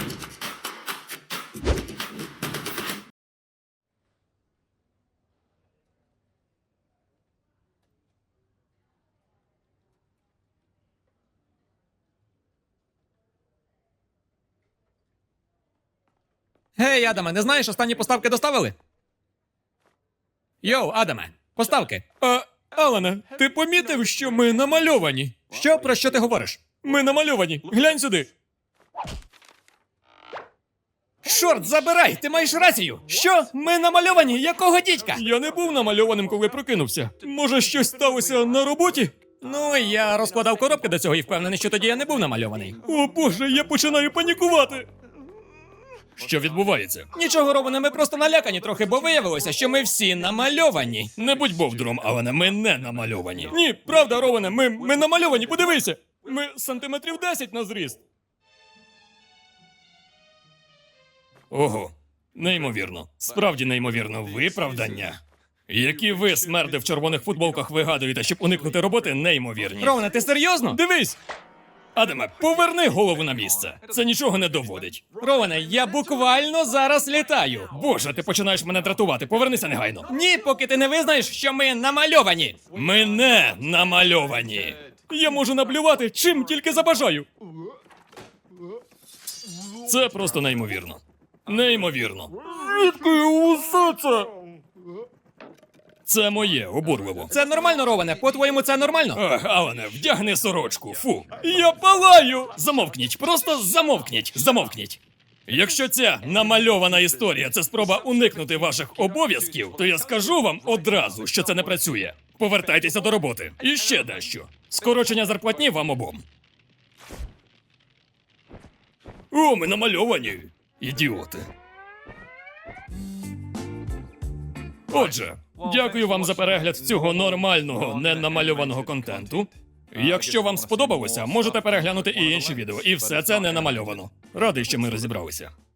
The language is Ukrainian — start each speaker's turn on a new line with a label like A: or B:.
A: Гей, Адаме, не знаєш, останні поставки доставили? Йоу, Адаме, поставки. Алане, ти помітив, що ми намальовані? Що? Про що ти говориш? Ми намальовані. Глянь сюди. Чорт, забирай! Ти маєш рацію! Що? Ми намальовані? Якого дідька? Я не був намальованим, коли прокинувся. Може, щось сталося на роботі? Ну, я розкладав коробки до цього і впевнений, що тоді я не був намальований. О боже, я починаю панікувати. Що відбувається? Нічого, Роване, ми просто налякані трохи, бо виявилося, що ми всі намальовані. Не будь бовдром, Алане, ми не намальовані. Ні, правда, Роване, ми намальовані, подивися. Ми сантиметрів 10 на зріст. Ого, неймовірно. Справді неймовірно виправдання. Які ви, смерди в червоних футболках, вигадуєте, щоб уникнути роботи, неймовірні. Роване, ти серйозно? Дивись! Адаме, поверни голову на місце. Це нічого не доводить. Роване, я буквально зараз літаю. Боже, ти починаєш мене дратувати. Повернися негайно. Ні, поки ти не визнаєш, що ми намальовані. Ми не намальовані. Я можу наблювати, чим тільки забажаю. Це просто неймовірно. Неймовірно. Звідки усе це? Це моє, обурливо. Це нормально, Роване? По-твоєму, це нормально? Ах, Алане, вдягни сорочку, фу. Я палаю! Замовкніть, просто замовкніть, замовкніть. Якщо ця намальована історія – це спроба уникнути ваших обов'язків, то я скажу вам одразу, що це не працює. Повертайтеся до роботи. І ще дещо. Скорочення зарплатні вам обом. О, ми намальовані. Ідіоти. Отже, дякую вам за перегляд цього нормального, ненамальованого контенту. Якщо вам сподобалося, можете переглянути і інші відео. І все це не намальовано. Радий, що ми розібралися.